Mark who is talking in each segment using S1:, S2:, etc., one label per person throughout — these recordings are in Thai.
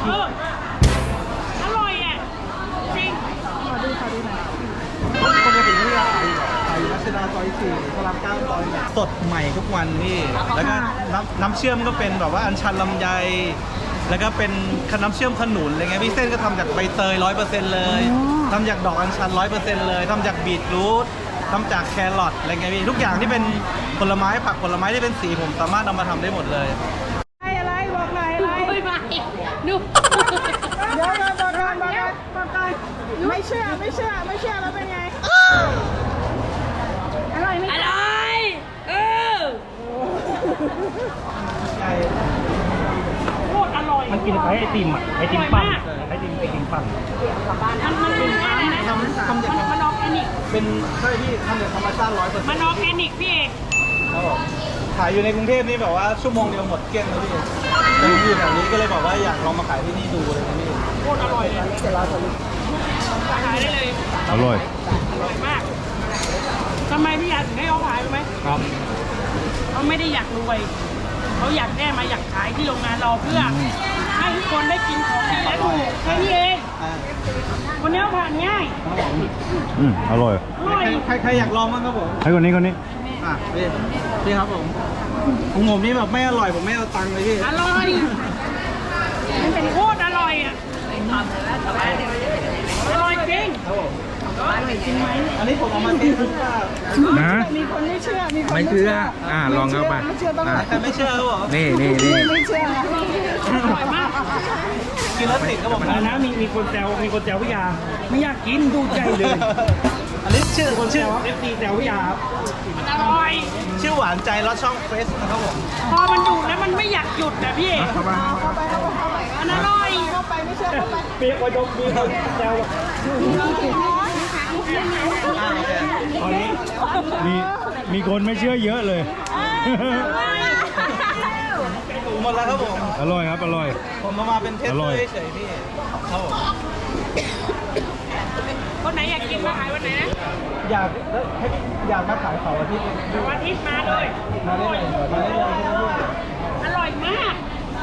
S1: อร่อยอ่ะจริง
S2: ขอดูหน่อย
S3: ปกติที่ร้านขายอยู่รัชดาซอย4พระราม9ซอยสดใหม่ทุกวันนี่แล้วก็น้ำเชื่อมก็เป็นแบบว่าอัญชันลำไยแล้วก็เป็นน้ำเชื่อมขนุนอะไรเงี้ยพี่เส้นก็ทำจากใบเตย 100% เลยทำจากดอกอัญชัน 100% เลยทำจากบีทรูททำจากแครอทอะไรเงี้ยพี่ทุกอย่างที่เป็นผลไม้ผักผลไม้ที่เป็นสีผมสามารถเอามาทำได้หมดเลย
S2: อะไรบอกหน่อยอะไร
S1: ไม่ดู
S2: เดี๋ยวบอกไม่เชื่อแล้วเป็นไงอร่อยไหม
S1: อร่อยโคตรอร่อย
S3: มันกินคล้ายไอติมอ่ะไอติมปั่นไอติมปั่น
S1: มันเป็นอะไรนะมันออร์แกนิก
S3: เป็นใช่พี่ทำจากธรรมชาติ 100%
S1: มันออร์แกนิกพี่เอก
S3: ครับผมขายอยู่ในกรุงเทพนี่แบบว่าชั่วโมงเดียวหมดเกลี้ยงเลยพี่แต่ผมอยู่แบบนี้ก็เลยบอกว่าอยากลองมาขายที่นี่ดูเลยนะพี่
S1: โคตรอร่อยเลยขายได้เลย
S4: อร่อย
S1: มากทำไมพี่อยากถึงให้เขาขายรู้ไหม
S3: ครับ
S1: เขาไม่ได้อยากรวยเขาอยากแค่มาอยากขายที่โรงงานเราเพื่อให้ทุกคนได้กินของดีและถูกแค่นี้เองวันนี้ผ่านง่าย
S4: อร่อย
S3: ใครอยากลองบ้างครับผม
S4: ให้คนนี้
S3: พี่ครับผมของผมนี่แบบไม่อร่อยผมไม่เอาตังค์เลยพี่
S1: อร่อยมันเป็นโคตรอร่อยอ่ะอร่อยจริง
S3: อร่อยจริงไหมอันนี้ผมเอามาเทส
S4: นะ
S2: มีคนไม่เชื่อ
S4: ไม่เชื่อลองเข้าไป
S3: แต่ไม่เชื่อครับผม
S4: นี่
S2: ไม่เชื่อ
S1: อร่อยมาก
S3: กินแล้วติดครับผม
S5: นะมีคนแซวพี่ยาไม่อยากกินดูใจเลย
S3: อันนี้ชื่อ
S5: FT แซวพี่ยาครับ
S1: มันอร่อย
S3: ชื่อหวานใจแล้วช่องเฟซนะครับผม
S1: พอมันดูแล้วมันไม่อยากหยุดนะพี่
S2: เข้าไป
S1: มันอร่อย
S2: เข้าไปไม่เชื่อเข้าไป
S5: เปียกวันยกมีคนแซว
S4: ตอนนี้มีคนไม่เชื่อเยอะเลย
S3: หมดแล้วครับผม
S4: อร่อยครับอร่อย
S3: ผมมาเป็นเทสเตอร์เฉยๆพี่ครับผม
S1: คนไหนอยากกินมาขายวันไหนนะ
S3: อยากมาขายเสาร์อาทิตย์
S1: วันอาทิตย์มาเลยอร่อยมาก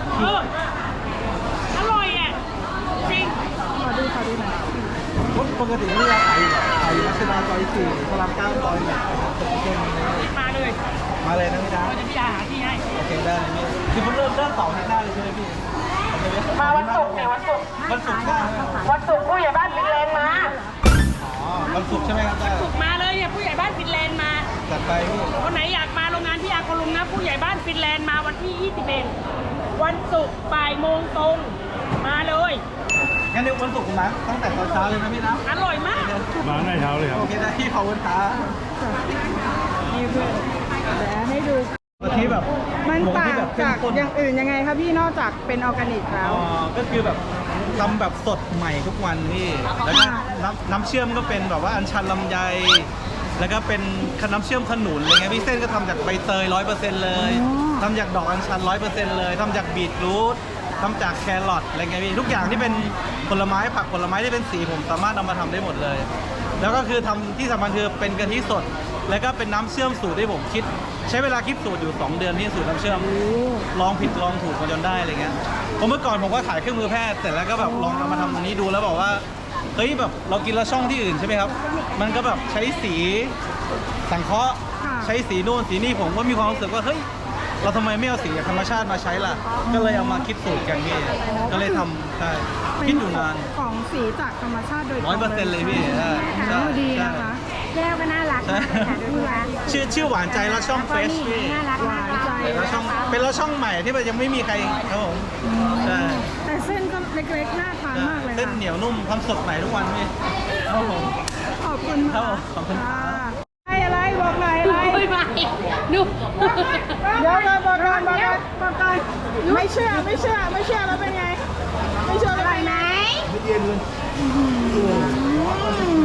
S1: อร่อยอ่ะจริง
S2: ขอดูหน่อย
S3: ปกติที่ร้านขายอยู่รัชดาซอย4พระราม9ซอย
S1: มาเลย
S3: นะพี่ดา
S1: พี่ดาหาที่ให้
S3: โอเคได้เลยพี่คือผมเริ่มเสาร์อาทิตย์หน้าเลยใช่ไหมพี่
S1: มาวันศุกร์เนี่ยวันศุกร์ผู้ใหญ่บ้านฟินแลนด์มา
S3: วันศุกร์ใช่ไหมครับ
S1: วันศุกร์มาเลยเนี่ยผู้ใหญ่บ้านฟินแลนด์มา
S3: จัดไปพี่
S1: คนไหนอยากมาโรงงานพี่อาโคลุมนะผู้ใหญ่บ้านฟินแลนด์มาวันที่21วันศุกร์บ่ายโมงตรงมาเลย
S3: งั้นเดี๋ยววันศุกร์นะตั้งแต่ตอนเช้าเลยนะพี่นะ
S1: อร่อยมาก
S4: มาในเช้าเลยครับ
S3: โอเคได้พี่ขอบคุณครับ
S2: นี่เพื่อนให้ดู
S3: ที่แบบ
S2: มันต่างจากอย่างอื่นยังไงครับพี่นอกจากเป็นออร์แกนิกแล้ว
S3: ก็คือแบบทำแบบสดใหม่ทุกวันนี่แล้วก็น้ำเชื่อมก็เป็นแบบว่าอัญชันลำไยแล้วก็เป็นน้ำเชื่อมขนุนอะไรเงี้ยพี่เส้นก็ทำจากใบเตย 100% เลยทำจากดอกอัญชัน 100% เลยทำจากบีทรูททำจากแครอทอะไรเงี้ยพี่ทุกอย่างที่เป็นผลไม้ผักผลไม้ที่เป็นสีผมสามารถเอามาทำได้หมดเลยแล้วก็คือทำที่สำคัญคือเป็นกะทิสดแล้วก็เป็นน้ำเชื่อมสูตรที่ผมคิดใช้เวลาคิดสูตรอยู่2 เดือนที่สูตรน้ำเชื่อมลองผิดลองถูกมาจนได้อะไรเงี้ยผมเมื่อก่อนผมก็ขายเครื่องมือแพทย์เสร็จแล้วก็แบบลองเอามาทำตรงนี้ดูแล้วบอกว่าเฮ้ยแบบเรากินแล้วช่องที่อื่นใช่ไหมครับมันก็แบบใช้สีสังเคราะห์ใช้สีนู่นสีนี่ผมก็มีความรู้สึกว่าเฮ้ยเราทำไมไม่เอาสีธรรมชาติมาใช้ล่ะก็เลยเอามาคิดสูตรกันพี่ก็เลยทำได้คิดอยู่นาน
S2: ของสีจากธรรมชาติโดย
S3: 100%เลยพี่
S2: ดูดีนะคะแก้วก็น่ารัก
S3: ชื่อหวานใจแล้วช่องเฟซพี่
S2: หวานใจ
S3: แล้วช่องเป็นแล้วช่องใหม่ที่มันยังไม่มีใครครับผมใช่
S2: แต่เส้นก็เล็กๆน่าทานมากเลย
S3: เส้นเหนียวนุ่มทำสดใหม่ทุกวันพี่ครับผม
S2: ขอบคุณ
S3: ครับขอบคุณ
S2: อะไรบอกหน่อยอะไร
S1: ดู
S2: เดี๋ยวบอกไม่เชื่อแล้วเป็นไงไม่เชื่ออะไรไหม
S3: ไม่เย็นเลย